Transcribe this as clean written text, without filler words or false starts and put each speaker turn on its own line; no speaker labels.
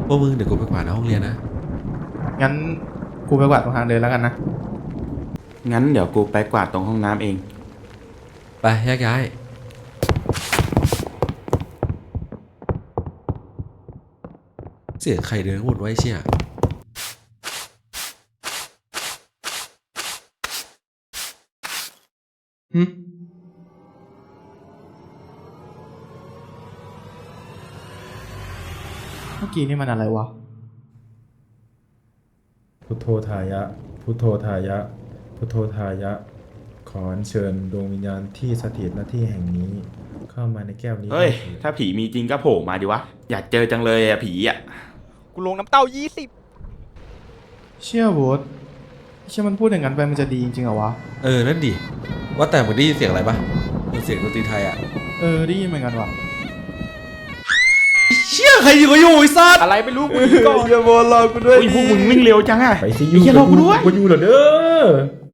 พวกมึงเดี๋ยวกูไปกวาดห้องเรียนนะ
งั้นกูไปกวาดตรงทางเดินแล้วกันนะ
งั้นเดี๋ยวกูไปกวาดตรงห้องน้ำเอง
ไปแยกย้ายเสียงใครเดินวนไว้เชี่ย
เมื่อกี้นี่มันอะไรวะ
พุทโธทายะพุทโธทายะพุทโธทายะขออัญเชิญดวงวิญญาณที่สถิตณที่แห่งนี้เข้ามาในแก้วนี้
เฮ้ยถ้าผีมีจริงก็โผล่มาดิวะอยากเจอจังเลยอะผีอะ
กูลงน้ำเต้า20
เชี่ยโบ๊ทเชี่ยมันพูดอย่างนั้นไปมันจะดีจริงๆเหรอวะ
นั่นดิว่าแต่มึงได้ยินเสียงอะไรปะเป็นเสียงดนตรีไทยอ่ะ
ได้ยินเหมือนกันวะ
เชี่ยใครอยู่ก็อยู่ไอ้สัส
อะไรไม่รู้กูก่อน
อย่าบอลรอกูด้วยพวกมึงวิ่งเร็วจังอะ
ไปสิยู
อย่ารอกูด้วย
กูอยู่เหรอเด้อ